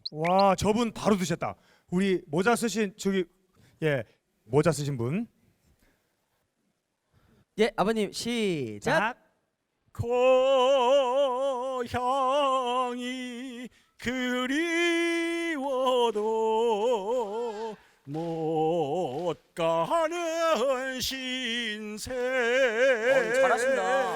와, 저분 바로 드셨다. 우리 모자 쓰신 저기 모자 쓰신 분. 예, 아버님 시작. 고향이 그리워도 못 가는 신세. 잘하신다.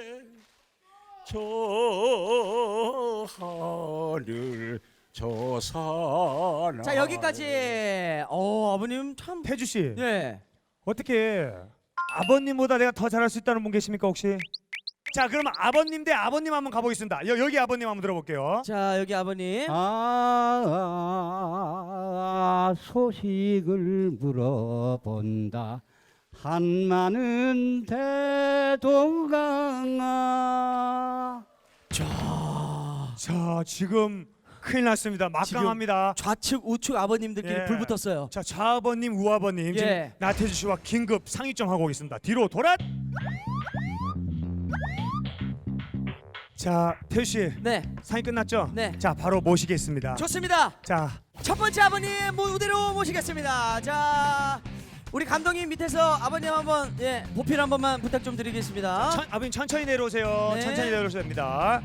저 하늘 저 산. 자, 여기까지. 아버님 참. 태주 씨, 예. 어떻게 아버님보다 내가 더 잘할 수 있다는 분 계십니까 혹시? 자, 그러면 아버님 대 아버님 한번 가보겠습니다. 여기 아버님 한번 들어볼게요. 자, 여기 아버님. 소식을 물어본다. 한마는 대동강아. 자, 지금 큰일 났습니다. 막강합니다. 좌측 우측 아버님들끼리 예. 불 붙었어요. 자, 좌아버님, 우아버님 예. 지금 나태주 씨와 긴급 상의점 하고 있습니다. 뒤로 돌아. 자, 태주 씨 네. 상의 끝났죠? 네. 자, 바로 모시겠습니다. 좋습니다. 자, 첫 번째 아버님 무대로 모시겠습니다. 자, 우리 감독님 밑에서 아버님 한번 보필 한 번만 부탁 좀 드리겠습니다. 아버님 천천히 내려오세요. 네. 천천히 내려오셔야 됩니다.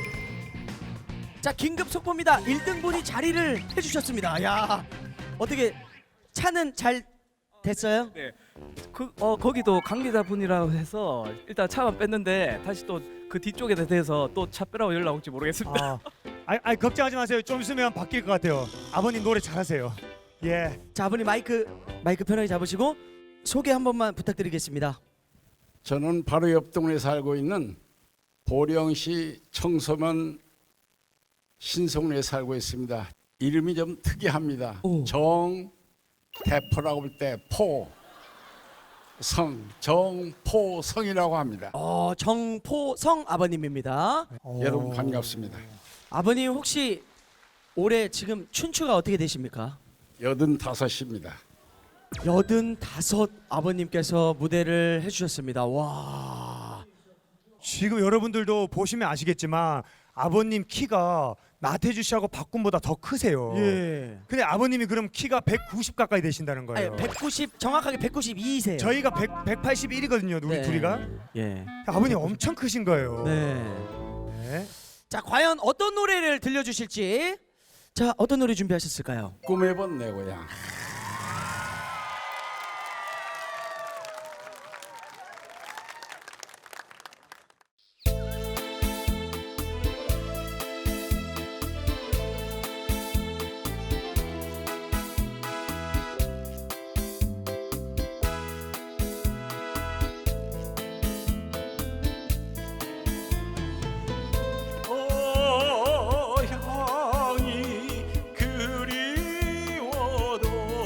자, 긴급 속보입니다. 1등분이 자리를 해주셨습니다. 야, 어떻게 차는 잘 됐어요? 네, 거기도 관계자분이라고 해서 일단 차만 뺐는데 다시 또 그 뒤쪽에 대해서 또 차 빼라고 연락 올지 모르겠습니다. 아니 걱정하지 마세요. 좀 있으면 바뀔 것 같아요. 아버님 노래 잘하세요. 예. 자, 아버님 마이크 편하게 잡으시고 소개 한 번만 부탁드리겠습니다. 저는 바로 옆 동네에 살고 있는 보령시 청소면 신성리에 살고 있습니다. 이름이 좀 특이합니다. 오. 정대포라고 볼 때 포, 성, 정포성이라고 합니다. 정포성 아버님입니다. 여러분 반갑습니다. 아버님 혹시 올해 지금 춘추가 어떻게 되십니까? 85입니다. 85 아버님께서 무대를 해주셨습니다. 와. 지금 여러분들도 보시면 아시겠지만 아버님 키가 나태주 씨하고 박군보다 더 크세요. 예. 근데 아버님이 그럼 키가 190 가까이 되신다는 아니, 거예요. 190 정확하게 192세요. 저희가 181이거든요. 우리 둘이가. 예. 아버님 엄청 크신 거예요. 네. 네. 자, 과연 어떤 노래를 들려주실지. 자, 어떤 노래 준비하셨을까요? 꿈에 본 내 고향. 고향이 그리워도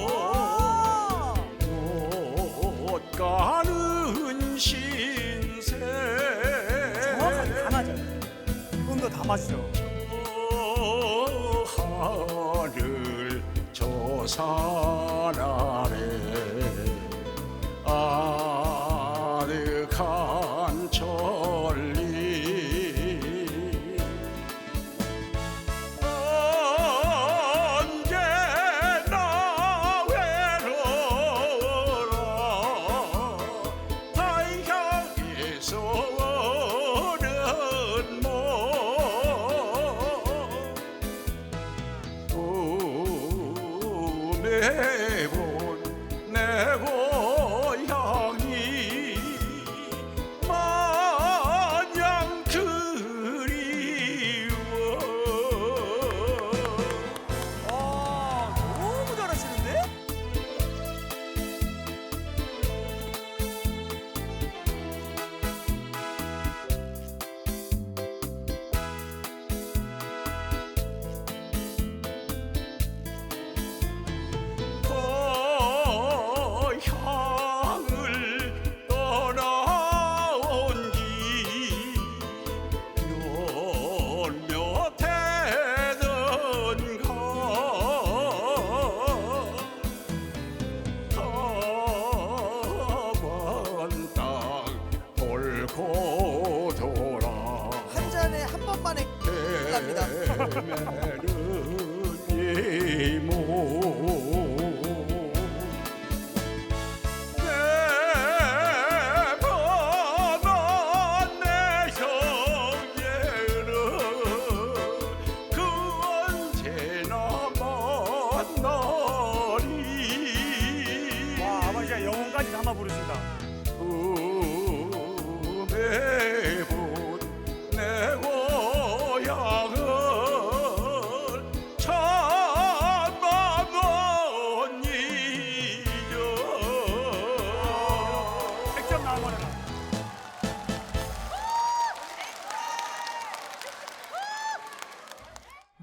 못 가는 신세. 정확하게 다 맞아요. 음도 다 맞죠. 저 하늘 저 산 아래 아득한 천리 언제나 외로워라 달향에서 오는 몸 꿈에 본 내 고향이 마냥 그리워. 너무 잘하시는데?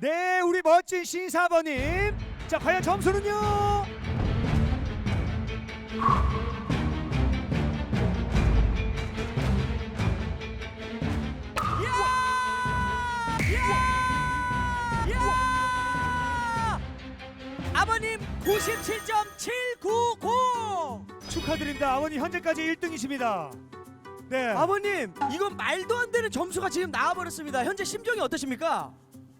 네, 우리 멋진 신사 아버님. 자, 과연 점수는요? 아버님 97.790. 축하드립니다. 아버님 현재까지 1등이십니다. 네. 아버님 이건 말도 안 되는 점수가 지금 나와버렸습니다. 현재 심정이 어떠십니까?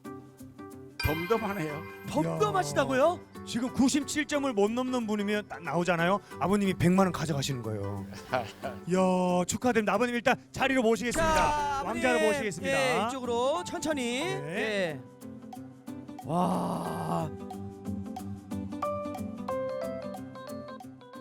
덤덤하네요. 덤덤하시다고요? 지금 97점을 못 넘는 분이면 딱 나오잖아요. 아버님이 100만 원 가져가시는 거예요. 이야, 축하드립니다. 아버님 일단 자리로 모시겠습니다. 아버님, 왕자로 모시겠습니다. 예, 이쪽으로 천천히. 네. 예. 와,